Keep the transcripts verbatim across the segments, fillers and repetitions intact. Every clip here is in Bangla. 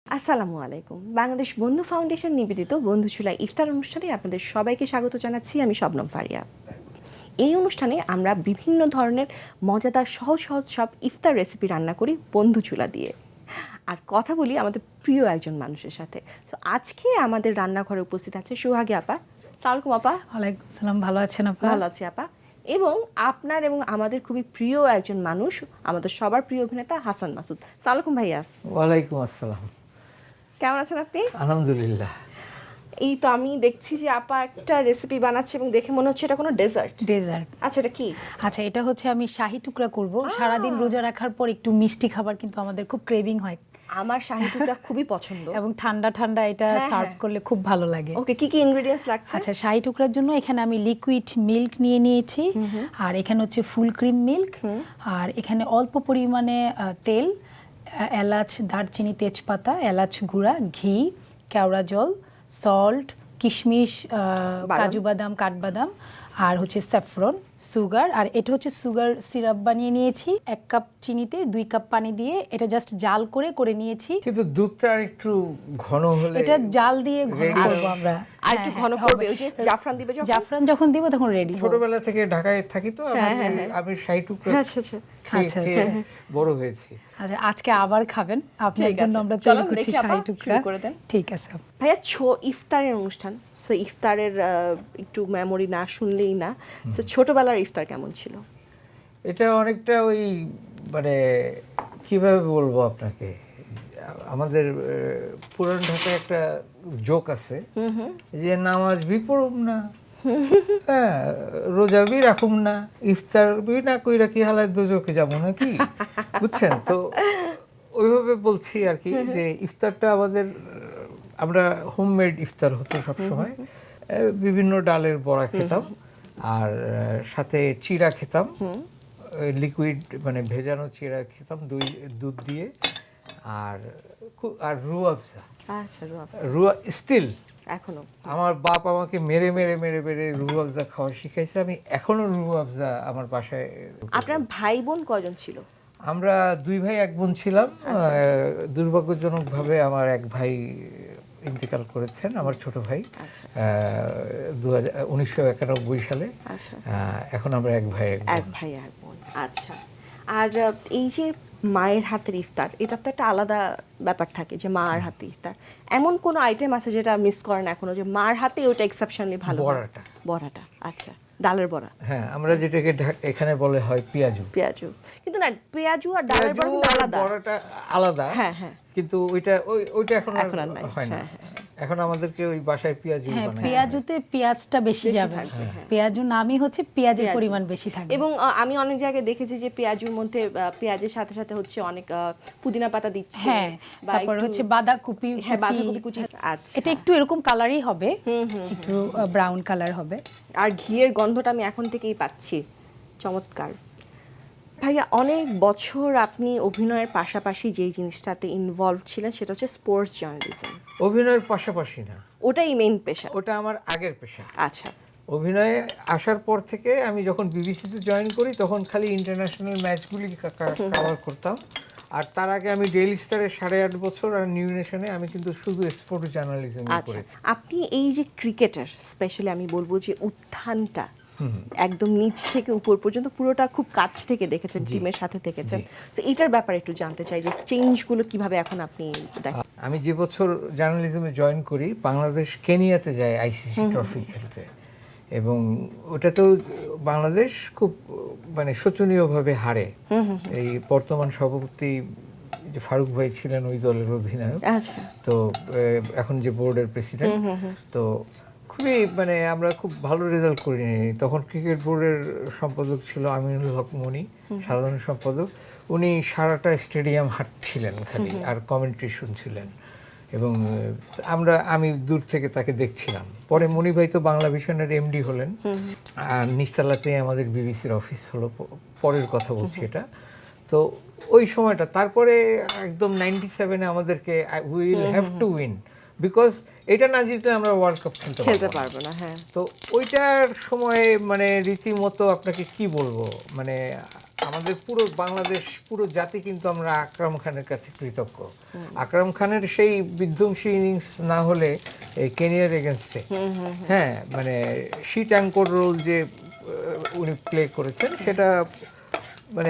আসসালামু আলাইকুম। বাংলাদেশ বন্ধু ফাউন্ডেশন নিবেদিত বন্ধুচুলা ইফতার অনুষ্ঠানে আপনাদের সবাইকে স্বাগত জানাচ্ছি। আমি শবনম ফারিয়া। এই অনুষ্ঠানে আমরা বিভিন্ন ধরনের মজাদার সহজ সহজ সব ইফতার রেসিপি রান্না করি বন্ধুচুলা দিয়ে, আর কথা বলি আমাদের প্রিয় একজন মানুষের সাথে। তো আজকে আমাদের রান্নাঘরে উপস্থিত আছে সুহাগী আপা। সালামালাইকুম আপা। ওয়ালাইকুম সালাম, ভালো আছেন আপা? ভালো আছি আপা। এবং আপনার এবং আমাদের খুবই প্রিয় একজন মানুষ, আমাদের সবার প্রিয় অভিনেতা হাসান মাসুদ। সালামালাইকুম ভাইয়া। ওয়ালাইকুম আসসালাম। কেমন আছেন আপনি? আলহামদুলিল্লাহ। এই তো আমি দেখছি যে আপা একটা রেসিপি বানাচ্ছে এবং দেখে মনে হচ্ছে এটা কোনো ডেজার্ট। ডেজার্ট। আচ্ছা, এটা কি? আচ্ছা, এটা হচ্ছে আমি শাহী টুকরা করব। সারাদিন রোজা রাখার পর একটু মিষ্টি খাবার কিন্তু আমাদের খুব ক্রেভিং হয়, আমার শাহী টুকরা খুবই পছন্দ। এবং ঠান্ডা ঠান্ডা এটা হ্যাঁ, সার্ভ হ্যাঁ। করলে খুব ভালো লাগে। ওকে, কি কি ইনগ্রেডিয়েন্টস লাগছে? আচ্ছা, শাহী টুকরার জন্য এখানে আমি লিকুইড মিল্ক নিয়ে নিয়েছি, আর এখানে হচ্ছে ফুল ক্রিম মিল্ক, আর এখানে অল্প পরিমাণে আহ, তেল, আহ, এলাচ, দারচিনি, তেজপাতা, এলাচ গুঁড়া, ঘি, কেওড়া জল, সল্ট, কিশমিশ, আহ, বাদাম। কাজু বাদাম, কাঠবাদাম, আর হচ্ছে স্যাফরন, সুগার। আর এটা হচ্ছে সুগার সিরাপ বানিয়ে নিয়েছি এক কাপ চিনিতে দুই কাপ পানি দিয়ে, এটা জাস্ট জাল করে করে নিয়েছি। কিন্তু দুধটা আর একটু ঘন হলে এটা জাল দিয়ে ঘন Ready করব আমরা। আর একটু হ্যাঁ, ঘন হ্যাঁ, করবে, হবে। ওই যে জাফরান দিবে যখন। জাফরান যখন দিব তখন রেডি। ছোটবেলা থেকে ঢাকায় থাকি তো আমি হ্যাঁ, হ্যাঁ, আমি শাহী টুকরা আচ্ছা আচ্ছা খেয়ে আচ্ছা, খেয়ে আচ্ছা। বড় হয়েছি। আচ্ছা, আজকে আবার খাবেন, আপনার ঠিক জন্য আছে। আমরা চলুন তৈরি করছি দেখি আপা, শাহী টুকরা। শুরু করে দেন। ঠিক আছে। ভাইয়া, ছো ইফতারের অনুষ্ঠান, সো ইফতারের আহ, একটু মেমোরি না শুনলেই না। তো ছোটবেলার ইফতার কেমন ছিল? এটা অনেকটা ওই মানে কিভাবে বলবো আপনাকে, আমাদের আহ, পুরান ঢাকায় একটা জোক আছে যে নামাজ বি পড়ুম না, হ্যাঁ রোজা বি রাখুম না, ইফতার বি না কইরা কি হালায় দোজকে যাবো নাকি, বুঝছেন তো? ওইভাবে বলছি আর কি, যে ইফতারটা আমাদের আমরা হোমমেড ইফতার হতো সবসময়। আহ, বিভিন্ন ডালের বড়া খেতাম, আর আহ, সাথে চিড়া খেতাম, লিকুইড মানে ভেজানো চিড়া খেতাম দুই দুধ দিয়ে, আর খু- আর রুয়া আফজা। আচ্ছা, রুয়াব রুয়া স্টিল এখনো। আমার বাপ আমাকে মেরে মেরে মেরে মেরে রুয়া আফজা খাওয়া শিখাইছে। আমি এখনো রুয়া আফজা আমার বাসায়। আপনার ভাই বোন কজন ছিল? আমরা দুই ভাই এক বোন ছিলাম। আহ, দুর্ভাগ্যজনকভাবে আমার এক ভাই ইন্তেকাল করেছেন, আমার ছোট ভাই, দু হাজার উনিশশো একানব্বই সালে। আচ্ছা, আহ, এখন আমরা এক ভাই এক এক বোন। ভাই এক বোন। আচ্ছা, আর আহ, এই যে মায়ের হাতের ইফতার, এটা তো একটা আলাদা ব্যাপার থাকে যে মার হাতে ইফতার। এমন কোনো আইটেম আছে যেটা মিস করেন এখনো, যে মার হাতে ওটা এক্সেপশনালি ভালো হয়? বড়াটা। বড়াটা, আচ্ছা, ডালের বড়া। হ্যাঁ, আমরা যেটাকে ঢা- এখানে বলে হয় পেঁয়াজু। পেঁয়াজু, কিন্তু না, পেঁয়াজু আর ডালের বড়া পেঁয়াজু কিন্তু আর আলাদা। বড়াটা আলাদা। হ্যাঁ, হ্যাঁ। কিন্তু ওইটা ওই ওইটা এখন আর এখন আর নাই। হয় না। হ্যাঁ, হ্যাঁ, এখন আমাদেরকে ওই বাসায় পেঁয়াজু হ্যাঁ, বানায়। পেঁয়াজুতে পেঁয়াজটা বেশি যাবে। থাকবে, হ্যাঁ। পেঁয়াজু নামই হচ্ছে পেঁয়াজের পেঁয়াজু। পরিমাণ বেশি থাকবে। এবং আহ, আমি অনেক জায়গায় দেখেছি যে পেঁয়াজুর মধ্যে আহ, পেঁয়াজের সাথে সাথে হচ্ছে অনেক আহ, পুদিনা পাতা দিচ্ছে। হ্যাঁ, বা তারপর একটু- হচ্ছে বাঁধাকপি হ্যাঁ, কুচি। বাঁধাকপি কুচি। আচ্ছা। এটা একটু এরকম কালারই হবে, একটু ব্রাউন কালার হবে। আর ঘিয়ের গন্ধটা আমি এখন থেকেই পাচ্ছি, চমৎকার। ভাইয়া, অনেক বছর আপনি অভিনয়ের পাশাপাশি যেই জিনিসটাতে ইনভলভ ছিলেন সেটা হচ্ছে স্পোর্টস জার্নালিজম। অভিনয়ের পাশাপাশি না, ওটাই মেইন পেশা? ওটা আমার আগের পেশা। আচ্ছা, অভিনয়ে আসার পর থেকে আমি যখন বিবিসিতে জয়েন করি তখন খালি ইন্টারন্যাশনাল ম্যাচগুলি কভার করতাম, আর তার আগে আমি ডেইলি স্টারে সাড়ে আট বছর, আর নিউ নেশনে আমি কিন্তু শুধু স্পোর্টস জার্নালিজম আচ্ছা। করেছি। আপনি এই যে ক্রিকেটার, স্পেশালি আমি বলবো যে উত্থানটা একদম নিচ থেকে উপর পর্যন্ত পুরোটা খুব কাছ থেকে দেখেছেন, টিমের সাথে থেকেছেন, তো এটার ব্যাপারে একটু জানতে চাই যে চেঞ্জগুলো কিভাবে এখন আপনি দেখেন। আমি যে বছর জার্নালিজমে জয়েন করি, বাংলাদেশ কেনিয়াতে যায় আইসিসি ট্রফি খেলতে, এবং ওটাতেও বাংলাদেশ খুব মানে শোচনীয়ভাবে হারে। এই বর্তমান সভাপতি যে ফারুক ভাই ছিলেন ওই দলের অধিনায়ক, আচ্ছা, তো আহ, এখন যে বোর্ডের প্রেসিডেন্ট, তো খুবই মানে আমরা খুব ভালো রেজাল্ট করিনি। তখন ক্রিকেট বোর্ডের সম্পাদক ছিল আমিনুল হক মনি, সাধারণ সম্পাদক। উনি সারাটা স্টেডিয়াম হাঁটছিলেন খালি, আর কমেন্ট্রি শুনছিলেন, এবং আহ, আমরা আমি দূর থেকে তাকে দেখছিলাম। পরে মনি ভাই তো বাংলা ভিশনের এমডি হলেন, আর নিচতলাতেই আমাদের বিবিসির অফিস হলো। প- পরের কথা বলছি এটা। তো ওই সময়টা, তারপরে একদম নাইনটি সেভেনে আমাদেরকে will have to win, because এটা না জিতলে আমরা ওয়ার্ল্ড কাপ খেলতে খেলতে পারবো না। পারবো না। হ্যাঁ, তো ওইটার সময় মানে রীতিমতো আপনাকে কি বলবো, মানে আমাদের পুরো বাংলাদেশ পুরো জাতি কিন্তু আমরা আকরাম খানের কাছে কৃতজ্ঞ। আকরাম খানের সেই বিধ্বংসী ইনিংস না হলে এই কেনিয়ার এগেনস্টে, হ্যাঁ মানে শিট অ্যাঙ্কর রোল যে আহ, উনি প্লে করেছেন সেটা মানে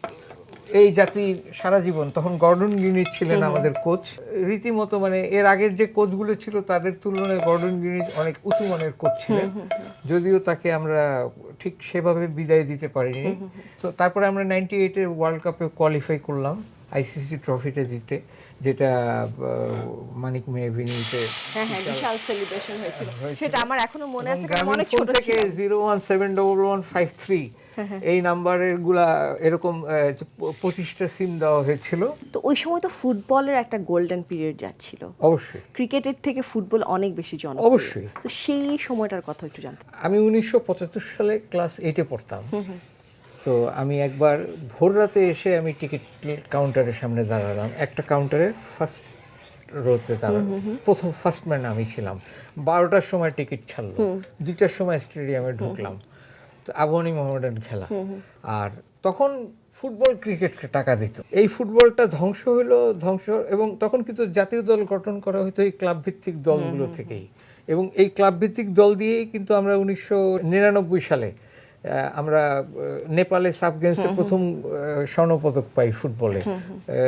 এই জাতি সারা জীবন, তখন গর্ডন গ্রিনিচ ছিলেন আমাদের কোচ, রীতিমতো মানে এর আগের যে কোচগুলো ছিল তাদের তুলনায় গর্ডন গ্রিনিচ অনেক উঁচু মানের কোচ ছিলেন, যদিও তাকে আমরা ঠিক সেভাবে বিদায় দিতে পারিনি। তো তারপরে আমরা নাইনটি এইটের ওয়ার্ল্ড কাপে কোয়ালিফাই করলাম আইসিসি ট্রফিটা জিতে, যেটা আহ, মানিক মে এভিনিউতে হ্যাঁ হ্যাঁ বিশাল সেলিব্রেশন হয়েছিল, সেটা আমার এখনো মনে আছে, কারণ গ্রামীণ অনেক ফোন ছোট থেকে ছিলাম। Zero one seven double one five three এই নাম্বারের গুলা এরকম আহ, পঁচিশটা সিম দেওয়া হয়েছিল। তো ওই সময় তো ফুটবলের একটা গোল্ডেন পিরিয়ড যাচ্ছিল, অবশ্যই ক্রিকেটের থেকে ফুটবল অনেক বেশি জনপ্রিয়। অবশ্যই। তো সেই সময়টার কথা একটু জানতে। আমি উনিশশো পঁচাত্তর সালে ক্লাস এইটে পড়তাম। তো আমি একবার ভোর রাতে এসে আমি টিকিট কাউন্টারের সামনে দাঁড়ালাম, একটা কাউন্টারের ফার্স্ট রোতে দাঁড়ালাম, প্রথম ফার্স্ট ম্যান আমি ছিলাম। বারোটার সময় টিকিট ছাড়লো, দুইটার সময় স্টেডিয়ামে ঢুকলাম, তো আবাহনী মোহামেডান খেলা। আর তখন ফুটবল ক্রিকেটকে টাকা দিত, এই ফুটবলটা ধ্বংস হলো ধ্বংস, এবং তখন কিন্তু জাতীয় দল গঠন করা হতো এই ক্লাব ভিত্তিক দলগুলো থেকেই, এবং এই ক্লাব ভিত্তিক দল দিয়েই কিন্তু আমরা উনিশশো নিরানব্বই সালে আহ, আমরা আহ, নেপালে সাব গেমসে প্রথম আহ, স্বর্ণপদক পাই ফুটবলে। আহ,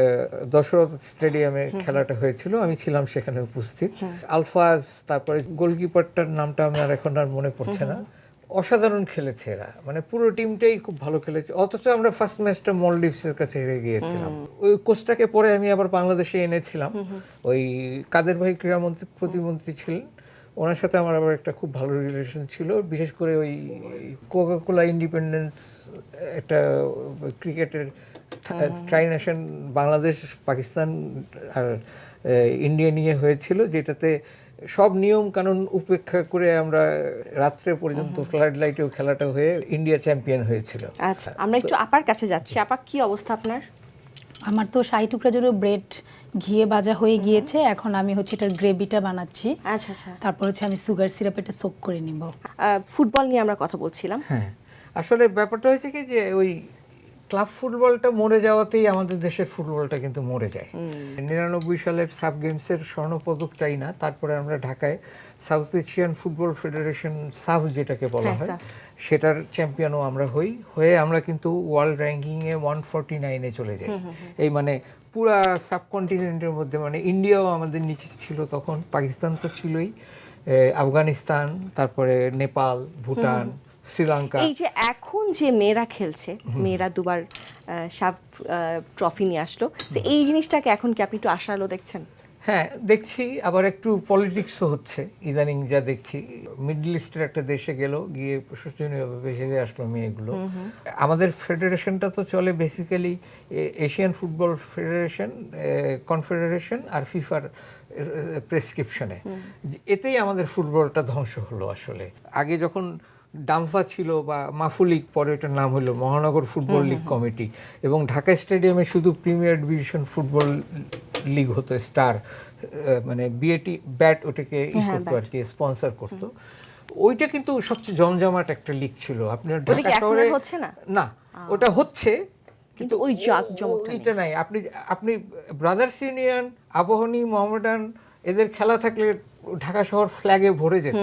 দশরথ স্টেডিয়ামে খেলাটা হয়েছিল, আমি ছিলাম সেখানে উপস্থিত। আলফাজ, তারপরে গোলকিপারটার নামটা আমার এখন আর মনে পড়ছে না, অসাধারণ খেলেছে এরা, মানে পুরো টিমটাই খুব ভালো খেলেছে, অথচ আমরা ফার্স্ট ম্যাচটা মলডিভসের কাছে হেরে গিয়েছিলাম। ওই কোচটাকে পরে আমি আবার বাংলাদেশে এনেছিলাম, ওই কাদের ভাই ক্রীড়ামন্ত্রী প্রতিমন্ত্রী ছিলেন, ওনার সাথে আমার আবার একটা খুব ভালো রিলেশন ছিল, বিশেষ করে ওই কোকাকোলা ইন্ডিপেন্ডেন্স একটা ক্রিকেটের ট্রাই নেশন বাংলাদেশ পাকিস্তান আর ইন্ডিয়া নিয়ে হয়েছিল, যেটাতে সব নিয়ম কানুন উপেক্ষা করে আমরা রাত্রে পর্যন্ত ফ্লাড লাইটেও খেলাটা হয়ে ইন্ডিয়া চ্যাম্পিয়ন হয়েছিল। আচ্ছা, আমরা একটু আপার কাছে যাচ্ছি। আপা, কি অবস্থা আপনার? আমার তো শাহি টুকরা জন্য ব্রেড ঘিয়ে ভাজা হয়ে গিয়েছে, এখন আমি হচ্ছে এটার গ্রেভিটা বানাচ্ছি। আচ্ছা আচ্ছা, তারপর হচ্ছে আমি সুগার সিরাপ এটা সোক করে নিব। আহ, ফুটবল নিয়ে আমরা কথা বলছিলাম। হ্যাঁ, আসলে ব্যাপারটা হয়েছে কি যে ওই ক্লাব ফুটবলটা মরে যাওয়াতেই আমাদের দেশের ফুটবলটা কিন্তু মরে যায়। নিরানব্বই সালের সাব গেমসের স্বর্ণপদকটাই না, তারপরে আমরা ঢাকায় সাউথ এশিয়ান ফুটবল ফেডারেশন সাফ যেটাকে বলা হ্যাঁ, হয় সাফ। সেটার চ্যাম্পিয়নও আমরা হই, হয়ে আমরা কিন্তু ওয়ার্ল্ড র্যাঙ্কিংয়ে ওয়ান ফর্টি নাইনে চলে যাই। এই মানে পুরা সাবকন্টিনেন্টের মধ্যে, মানে ইন্ডিয়াও আমাদের নিচে ছিল তখন, পাকিস্তান তো ছিলই, এ, আফগানিস্তান, তারপরে নেপাল, ভুটান, শ্রীলঙ্কা। এই যে এখন যে মেয়েরা খেলছে, মেয়েরা দুবার সাব ট্রফি নিয়ে আসলো, তো এই জিনিসটাকে এখন কি আপনি একটু আশালো দেখছেন? হ্যাঁ দেখছি, আবার একটু পলিটিক্সও হচ্ছে ইদানিং যা দেখছি। মিডল ইস্টের একটা দেশে গেল, গিয়ে শোচনীয়ভাবে হেরে আসলো মেয়েগুলো। আমাদের ফেডারেশনটা তো চলে basically Asian football federation, confederation আর ফিফার প্রেসক্রিপশনে, এতেই আমাদের ফুটবলটা ধ্বংস হলো আসলে। আগে যখন ডাম্ফা ছিল বা মাফু লীগ, পরে এটার নাম হলো মহানগর ফুটবল লীগ কমিটি, এবং ঢাকা স্টেডিয়ামে শুধু প্রিমিয়ার ডিভিশন ফুটবল লিগ হতো, স্টার মানে বিএটি ব্যাট ওটাকে ই করতো আর কি, স্পন্সর করতো। ওইটা কিন্তু সবচেয়ে জমজমাট একটা লিগ ছিল। আপনার ওটা কি ঢাকা এখন শহরে আর হচ্ছে না? না, ওটা হচ্ছে কিন্তু ওই জাঁকজমকটা নেই। এটা নাই। আপনি আপনি ব্রাদার্স ইউনিয়ন, আবাহনী, মোহামেডান এদের খেলা থাকলে ঢাকা শহর ফ্ল্যাগে ভরে যেত।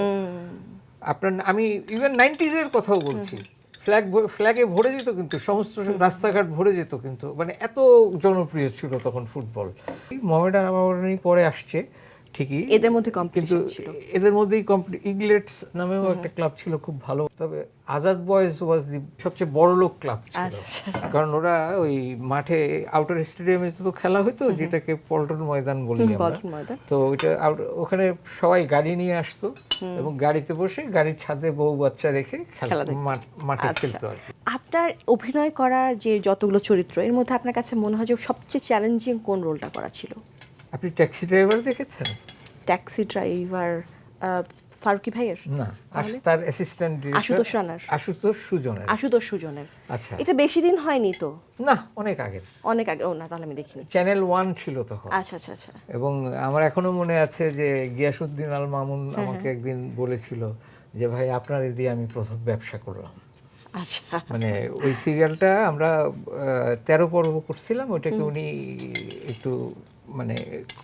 আপনার আমি ইভেন নাইনটিজের কথাও বলছি, ফ্ল্যাগ ফ্ল্যাগে ভরে যেত, কিন্তু সমস্ত রাস্তাঘাট ভরে যেত, কিন্তু মানে এত জনপ্রিয় ছিল তখন ফুটবল। মোহামেডান আবাহনী পরে আসছে ঠিকই, এদের মধ্যে কিন্তু কম্পিটিশন ছিল। এদের মধ্যেই কম্পিটি ইগলেটস নামেও একটা ক্লাব ছিল খুব ভালো, তবে আজাদ বয়েজ ওয়াজ দি সবচেয়ে বড় লোক ক্লাব ছিল, কারণ ওরা ওই মাঠে আউটার স্টেডিয়ামে তো খেলা হতো, যেটাকে পল্টন ময়দান বলি আমরা। পল্টন ময়দান। তো ওইটা আউট- ওখানে সবাই গাড়ি নিয়ে আসতো, এবং গাড়িতে বসে গাড়ির ছাদে বউ বাচ্চা রেখে খেলা খেলা দেখতো। মাঠ- মাঠে আচ্ছা। খেলতো আর কি। আপনার অভিনয় করার যে যতগুলো চরিত্র, এর মধ্যে আপনার কাছে মনে হয় যে সবচেয়ে চ্যালেঞ্জিং কোন রোলটা করা ছিল? আপনি ট্যাক্সি ড্রাইভার দেখেছেন? ট্যাক্সি ড্রাইভার ফারুকি ভাইয়ের? না, আশ- তার অ্যাসিস্ট্যান্ট আশুতোষ রানার? আশুতোষ সুজনের। আশুতোষ সুজনের। আচ্ছা, এটা বেশি দিন হয়নি তো, না অনেক আগের, অনেক আগে। ও না, তাহলে আমি দেখিনি। চ্যানেল ওয়ান ছিল তখন। আচ্ছা আচ্ছা আচ্ছা। এবং আমার এখনো মনে আছে যে গিয়াসউদ্দিন আল মামুন আমাকে একদিন বলেছিল যে ভাই আপনার দিয়ে আমি প্রথম ব্যবসা করলাম। আচ্ছা মানে ওই সিরিয়ালটা আমরা আহ, তেরো পর্ব করছিলাম, ওইটাকে উনি একটু মানে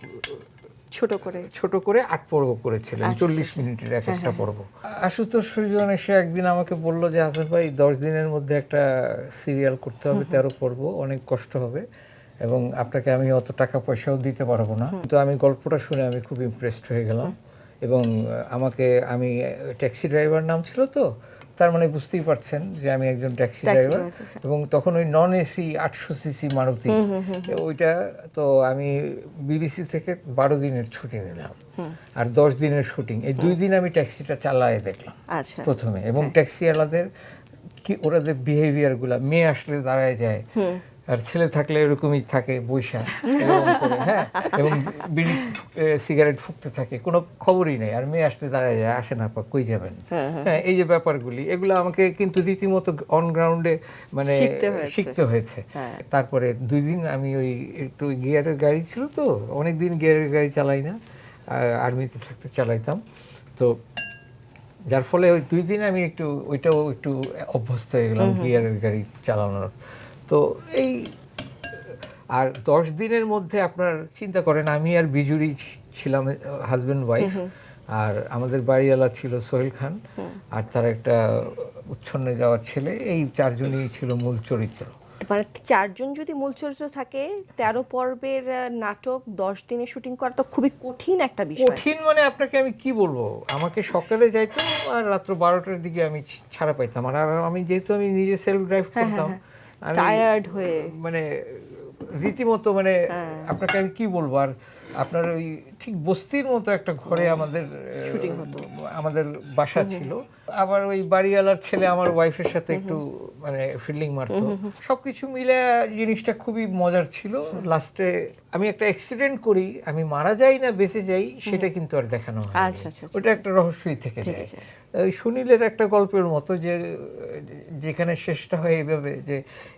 ছোট করে ছোট করে আট পর্ব করেছিলেন, আচ্ছা, চল্লিশ আচ্ছা। মিনিটের এক একটা পর্ব। আশুতোষ সুজন এসে একদিন আমাকে বলল যে হাসান ভাই দশ দিনের মধ্যে একটা সিরিয়াল করতে হবে, তেরো পর্ব, অনেক কষ্ট হবে এবং আপনাকে আমি অত টাকা পয়সাও দিতে পারবো না। তো আমি গল্পটা শুনে আমি খুব ইমপ্রেসড হয়ে গেলাম এবং আমাকে, আমি ট্যাক্সি ড্রাইভার নাম ছিল তো, তার মানে বুঝতেই পারছেন যে আমি একজন ট্যাক্সি ড্রাইভার এবং তখন ওই নন এসি আটশো সিসি মারুতি, ওইটা তো আমি বিবিসি থেকে বারো দিনের ছুটি নিলাম আর দশ দিনের শুটিং, এই দুই দিন আমি ট্যাক্সিটা চালায় দেখলাম আচ্ছা প্রথমে। এবং ট্যাক্সিওয়ালাদের কি ওরা যে বিহেভিয়ারগুলো, মেয়ে আসলে দাঁড়ায় যায় আর ছেলে থাকলে এরকমই থাকে বৈশা এরকম করে, হ্যাঁ, এবং বিড়ি সিগারেট ফুঁকতে থাকে, কোনো খবরই নেই, আর মেয়ে আসলে দাঁড়ায় যায়, আসে না আপা কই যাবেন, হ্যাঁ, এই যে ব্যাপারগুলি, এগুলো আমাকে কিন্তু রীতিমতো অন গ্রাউন্ডে মানে শিখতে হয়েছে। শিখতে হয়েছে। হ্যাঁ। তারপরে দুই দিন আমি ওই একটু গিয়ারের গাড়ি ছিল তো, অনেক দিন গিয়ারের গাড়ি চালাই না, আর্মিতে থাকতে চালাইতাম, তো যার ফলে ওই দুই দিন আমি একটু ওইটাও একটু অভ্যস্ত হয়ে গেলাম গিয়ারের গাড়ি চালানোর। তো এই আর দশ দিনের মধ্যে আপনার চিন্তা করেন, আমি আর বিজুরি ছিলাম হাজব্যান্ড ওয়াইফ, আর আমাদের বাড়িওয়ালা ছিল সোহেল খান, আর তার একটা উচ্ছন্নে যাওয়া ছেলে, এই চারজনই ছিল মূল চরিত্র। মানে চারজন যদি মূল চরিত্র থাকে, তেরো পর্বের আহ, নাটক দশ দিনে শুটিং করা তো খুবই কঠিন একটা বিষয়। কঠিন মানে আপনাকে আমি কি বলবো, আমাকে সকালে যাইতাম আর রাত্র বারোটার দিকে আমি ছাড়া পাইতাম, আর আমি যেহেতু আমি নিজে সেলফ ড্রাইভ করতাম, আমি টায়ার্ড হয়ে মানে রীতিমতো মানে আপনাকে আমি কি বলবো, আর আপনার ওই ঠিক বস্তির মতো একটা ঘরে আমাদের শুটিং হতো, আমাদের বাসা ছিল, আবার ওই বাড়িওয়ালার ছেলে আমার ওয়াইফের সাথে একটু মানে ফিল্ডিং মারতো, সবকিছু মিলে জিনিসটা খুবই মজার ছিল। লাস্টে আমি একটা অ্যাক্সিডেন্ট করি, আমি মারা যাই না বেঁচে যাই সেটা কিন্তু আর দেখানো হয়, আচ্ছা, আচ্ছা, ওটা একটা রহস্যই থেকে যায়। ওই সুনীলের একটা গল্পের মতো, যে যেখানে শেষটা হয় এইভাবে যে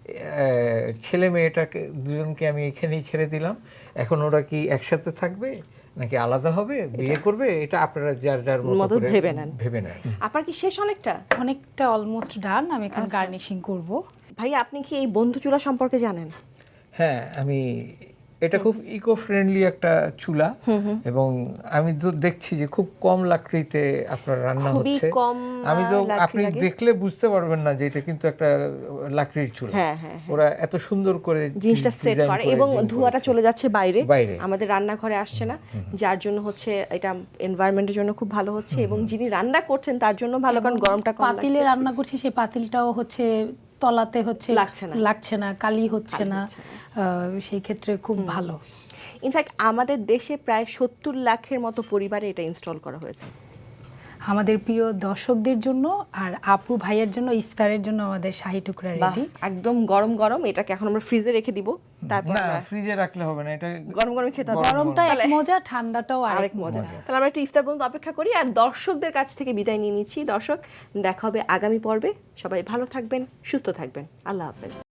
ছেলে মেয়েটাকে দুজনকে আমি এখানেই ছেড়ে দিলাম, এখন ওরা কি একসাথে থাকবে নাকি আলাদা হবে, বিয়ে করবে, এটা আপনারা যার যার মতো করে ভেবে নেন ভেবে নেন। আপনার কি শেষ অনেকটা? অনেকটা অলমোস্ট ডান, আমি এখন গার্নিশিং করব। ভাই আপনি কি এই বন্ধু চুলা সম্পর্কে জানেন? হ্যাঁ, আমি, এটা খুব ইকো ফ্রেন্ডলি একটা চুলা এবং আমি তো দেখছি যে খুব কম লাকড়িতে আপনার রান্না খুবই হচ্ছে। কম, আমি তো, লাকড়ি আপনি লাগে। দেখলে বুঝতে পারবেন না যে এটা কিন্তু একটা লাকড়ির চুলা। হ্যাঁ, হ্যাঁ, ওরা এত সুন্দর করে জিনিসটা সেট design করে এবং design ধোঁয়াটা করেছে। চলে যাচ্ছে বাইরে, বাইরে। আমাদের রান্নাঘরে আসছে না, যার জন্য হচ্ছে এটা এনভায়রনমেন্টের জন্য খুব ভালো হচ্ছে এবং যিনি রান্না করছেন তার জন্য ভালো, কারণ গরমটা কম পাতিলে লাগছে। রান্না করছি, সেই পাতিলটাও হচ্ছে তলাতে হচ্ছে লাগছে না। লাগছে না, কালি হচ্ছে কালি না, হচ্ছে আহ, সেই ক্ষেত্রে খুব ভালো। ইনফ্যাক্ট আমাদের দেশে প্রায় সত্তর লাখের মতো পরিবারে এটা ইনস্টল করা হয়েছে। আমাদের প্রিয় দর্শকদের জন্য আর আপু ভাইয়ের জন্য ইফতারের জন্য আমাদের শাহী টুকরা বাহ, রেডি। একদম গরম গরম, এটাকে এখন আমরা ফ্রিজে রেখে দিব, তারপর না, আমরা ফ্রিজে রাখলে হবে না, এটা গরম গরম খেতে হবে। গরমটা এক তাহলে- মজা, ঠান্ডাটাও আরেক আরেক মজা। মজা। তাহলে আমরা একটু ইফতার পর্যন্ত অপেক্ষা করি আর দর্শকদের কাছ থেকে বিদায় নিয়ে নিচ্ছি। দর্শক, দেখা হবে আগামী পর্বে। সবাই ভালো থাকবেন, সুস্থ থাকবেন। আল্লাহ হাফেজ।